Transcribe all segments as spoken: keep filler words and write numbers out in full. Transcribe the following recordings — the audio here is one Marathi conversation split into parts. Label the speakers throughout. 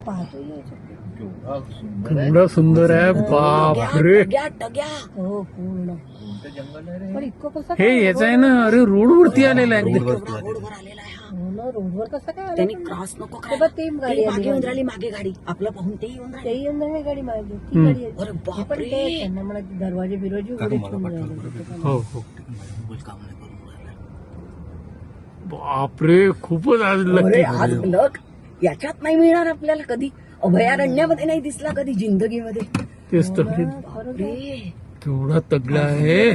Speaker 1: केवढा सुंदर आहे बापरे.
Speaker 2: हो पूर्ण पण इतकं कसं
Speaker 1: हे याच आहे ना, अरे रोड वरती आलेला आहे एकदम.
Speaker 2: रोडवर आलेला आहे हा. रोडवर कसं काय आलं?
Speaker 3: त्यांनी क्रॉस नको
Speaker 2: ते बघ, ती गाडी
Speaker 3: ती
Speaker 2: आली
Speaker 3: मागे येऊन
Speaker 2: मागे.
Speaker 3: राहिली, मागे गाडी आपलं पाहून ते येऊन राहिली.
Speaker 2: ते येऊन नाही गाडी मागे ती गाडी आहे.
Speaker 3: अरे
Speaker 2: हे पण
Speaker 3: बापरे.
Speaker 2: ते त्यांना म्हणा दरवाजे बिरवाजे उघडे ठेवून राहिले.
Speaker 1: हो हो बापरे, खूपच आज
Speaker 3: अरे
Speaker 1: लकी.
Speaker 3: आज लक याच्यात नाही मिळणार आपल्याला कधी, अभयारण्यामध्ये नाही दिसला कधी जिंदगीमध्ये.
Speaker 1: तेच तर,
Speaker 3: बापरे.
Speaker 1: केवढा तगडा आहे.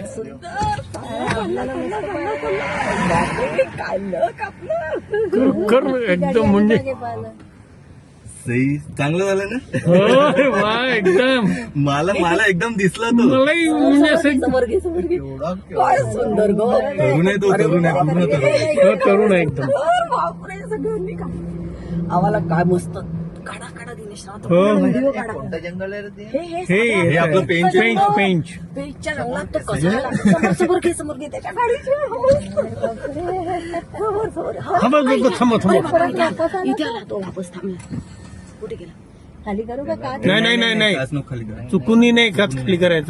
Speaker 3: बापरे, काय लक आपलं.
Speaker 1: कर कर एकदम म्हणजे
Speaker 2: मागे पाहिलं.
Speaker 4: सही चांगलं झालं ना.
Speaker 1: अरे वा एकदम.
Speaker 4: मला मला एकदम दिसला तो.
Speaker 1: मलाही म्हणजे असं
Speaker 3: समोर घे, समोर घे. काय सुंदर ग.
Speaker 4: तरुण आहे तो, तरुण आहे, पूर्ण तरुण आहे.
Speaker 1: तरुण आहे एकदम.
Speaker 3: बापरे, सगळ्यांनी का आम्हाला काय मस्त काढा काढा दिनेश राव,
Speaker 1: हो.
Speaker 3: व्हिडिओ काढा.
Speaker 4: जंगल आहे रे ते.
Speaker 3: हे हे
Speaker 1: हे
Speaker 3: साधं
Speaker 4: हे आपलं पेंच आहे.
Speaker 1: पेंच पेंच
Speaker 3: पेजच्या रंगात तो कसा आला. समोर समोर घे, समोर घे त्याच्या गाडीचे. समोर समोर हा.
Speaker 1: थांबा थांबा थांबा
Speaker 3: अरे
Speaker 1: थांबा.
Speaker 3: बापरे, इथे- इथे आला तो, वापस थांबला. कुठे गेला.
Speaker 2: खाली करू का काय
Speaker 1: नाही नाही नाही नाही,
Speaker 4: काच नको खाली करा.
Speaker 1: चुकूनही नाही काच खाली करायचं.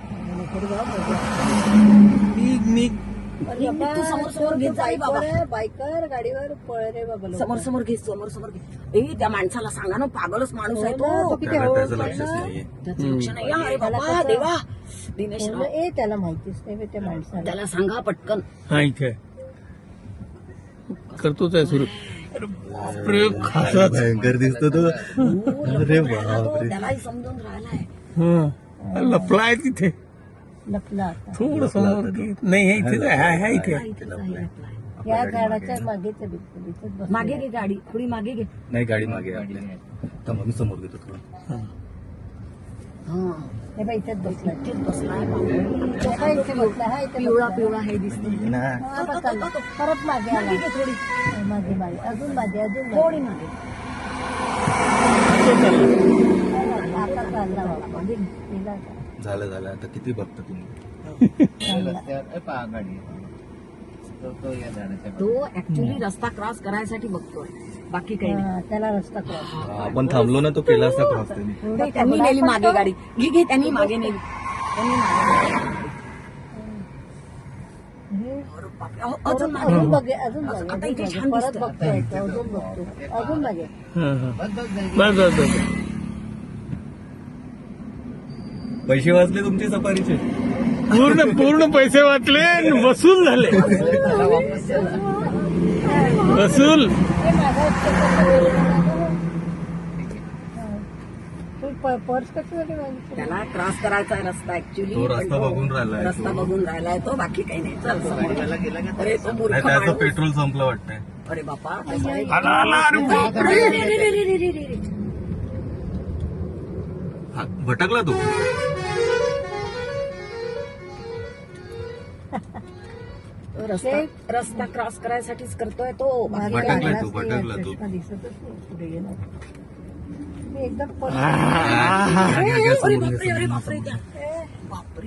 Speaker 4: निघ निघ.
Speaker 2: अरे बाबा,
Speaker 3: तू समोर समोर घेत जा, आई बाबा.
Speaker 2: बायकर बायकर गाडीवर पळ रे बाबा लोक.
Speaker 3: समोर समोर घे, समोर समोर घे. ए त्या माणसाला सांगा ना, पागलच माणूस आहे
Speaker 2: हो ना, तो
Speaker 3: तो.
Speaker 2: किती
Speaker 4: त्याला
Speaker 2: हळू
Speaker 4: त्याचं
Speaker 2: चालला.
Speaker 4: लक्षच नाहीये.
Speaker 3: त्याचं लक्ष नाही. अरे
Speaker 2: त्याला
Speaker 3: बाबा
Speaker 2: कसं-
Speaker 3: देवा, दिनेश
Speaker 2: हो
Speaker 3: राव,
Speaker 2: ना, ए त्याला माहितीच नाही बे त्या माणसाला.
Speaker 3: त्याला सांगा पटकन.
Speaker 1: हा इथे आहे. करतोच आहे सुरू. अरे बापरे, खासाच.
Speaker 4: भयंकर दिसतो तो. अरे बापरे.
Speaker 3: त्यालाही समजून राहिलाय.
Speaker 1: हा लपला आहे तिथे.
Speaker 2: लपला आता
Speaker 1: थोडं समोर घे. नाही हे इथे आहे, आहे, आहे इथे आहे.
Speaker 3: इथेच आहे आपला.
Speaker 2: या झाडाच्या मागेच आहे बिलकुल, इथेच बसलेला
Speaker 3: मागे
Speaker 2: आहे.
Speaker 3: घे गाडी, थोडी मागे घे.
Speaker 4: नाही गाडी मागे आहे आपल्या. थांबा, मी समोर घेतो थोडं.
Speaker 1: हा.
Speaker 3: हा
Speaker 2: हे बाई इथेच बसलाय.
Speaker 3: इथेच बसलाय.
Speaker 2: हा इथे बसला, हा इथे
Speaker 3: पिवळा
Speaker 2: बसला.
Speaker 3: पिवळा हे दिसतो.
Speaker 4: ये ना.
Speaker 2: हा, आता चालला. परत मागे आला.
Speaker 3: मागे घे थोडी,
Speaker 2: हा, मागे मागे अजून मागे अजून
Speaker 3: थोडी
Speaker 2: मागे.
Speaker 3: मागे.
Speaker 2: आता चालला बाबा मागे गेला आता.
Speaker 4: झालं झालं आता किती बघता तुम्ही.
Speaker 3: तो ऍक्च्युली रस्ता क्रॉस करायसाठी बघतोय, बाकी काही नाही.
Speaker 2: हा, त्याला रस्ता क्रॉस.
Speaker 4: आपण थांबलो ना, तो केला असता क्रॉस त्यांनी.
Speaker 3: नाही, त्यांनी नेली मागे गाडी. घे घे, त्यांनी मागे नेली. त्यांनी मागे नेली. अरे बापरे, अहो, अजून मागे.
Speaker 2: अजून मागे अजून
Speaker 3: आता
Speaker 2: मागे
Speaker 3: इथे
Speaker 2: अजून
Speaker 3: छान
Speaker 2: मागे. परत
Speaker 3: दिसतं.
Speaker 2: बघतोय तो, अजून बघतो अजून मागे.
Speaker 1: हा, हा. बस बस बस.
Speaker 4: पैसे वाचले तुमचे सफारीचे.
Speaker 1: पूर्ण पूर्ण पैसे वाटले आणि वसूल झाले. वसूल.
Speaker 2: हे मागं प- पर्स कशासाठी मागितली?
Speaker 3: त्याला क्रॉस करायचा आहे रस्ता ऍक्च्युली.
Speaker 4: तो रस्ता बघून राहिलाय.
Speaker 3: रस्ता बघून राहिलाय तो, बाकी काही नाही. चल समोर. अरे तो मूर्ख
Speaker 4: नाही, त्याचं
Speaker 3: माणूस.
Speaker 4: पेट्रोल संपलं वाटतंय.
Speaker 3: अरे बापा, कसं आहे?
Speaker 1: आला आला अरे बापरे.
Speaker 3: रे, रे, रे, रे, रे, रे, रे, रे.
Speaker 4: हा, भटकला तो.
Speaker 3: तो रस्ता रस्ता क्रॉस करायसाठीच करतोय तो.
Speaker 2: मागे
Speaker 4: भटकला
Speaker 2: लागलाच
Speaker 4: तो,
Speaker 2: नाही,
Speaker 4: भटकला तो.
Speaker 2: चष्मा दिसतच नाही पुढे गेला. मी एकदम पर्स-
Speaker 3: अरे बापरे, अरे बापरे, त्या- बापरे.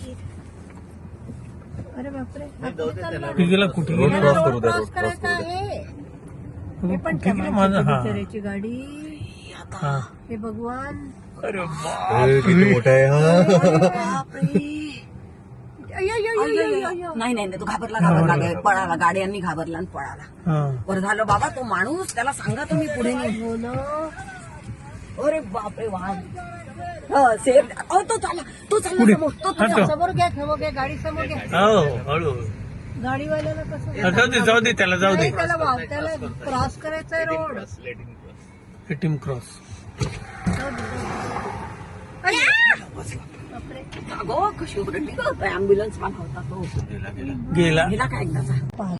Speaker 2: अरे बापरे हा कुठे चालला?
Speaker 1: कुठे गेला कुठे
Speaker 4: रोड
Speaker 1: गेला.
Speaker 4: क्रॉस करू द्या,
Speaker 2: क्रॉस
Speaker 4: रोड क्रॉस
Speaker 2: करायचा
Speaker 4: करू द्या.
Speaker 2: आहे. हे पण
Speaker 1: कुठे
Speaker 2: त्या
Speaker 1: गेला माझा.
Speaker 2: माणसाची
Speaker 1: हा
Speaker 2: बिचाऱ्याची गाडी.
Speaker 1: हा.
Speaker 2: हे भगवान.
Speaker 1: अरे
Speaker 4: अरे, किती मोठा आहे हा.
Speaker 3: बापरे.
Speaker 2: अय्यो, अय्यो, अय्यो, अय्यो, अय्यो.
Speaker 3: नाही नाही नाही, तो घाबरला घाबरला पळाला, गाड्यांनी घाबरला आणि पळाला.
Speaker 1: हा.
Speaker 3: बरं झालं बाबा, तो माणूस त्याला सांगा तुम्ही पुढे नाही.
Speaker 2: हो ना.
Speaker 3: अरे बापरे, वाघ. हं, सेफ. अहो, तो चालला, तो चालला
Speaker 1: पुढे.
Speaker 3: समोर. तो
Speaker 1: हा, तो.
Speaker 2: समोर घ्या समोर घ्या गाडी समोर घ्या.
Speaker 1: हो हळू.
Speaker 2: गाडीवाल्याला कसं
Speaker 1: हा, जाऊ दे जाऊ दे त्याला जाऊ दे.
Speaker 2: नाही, त्याला वाव त्याला क्रॉस करायचा आहे रोड.
Speaker 1: ATM cross.
Speaker 2: बापरे.
Speaker 3: अगो कशी ओरडली गं, ऍम्ब्युलन्स वाला होता तो.
Speaker 4: गेला गेला.
Speaker 1: गेला.
Speaker 3: गेला का एकदाचा.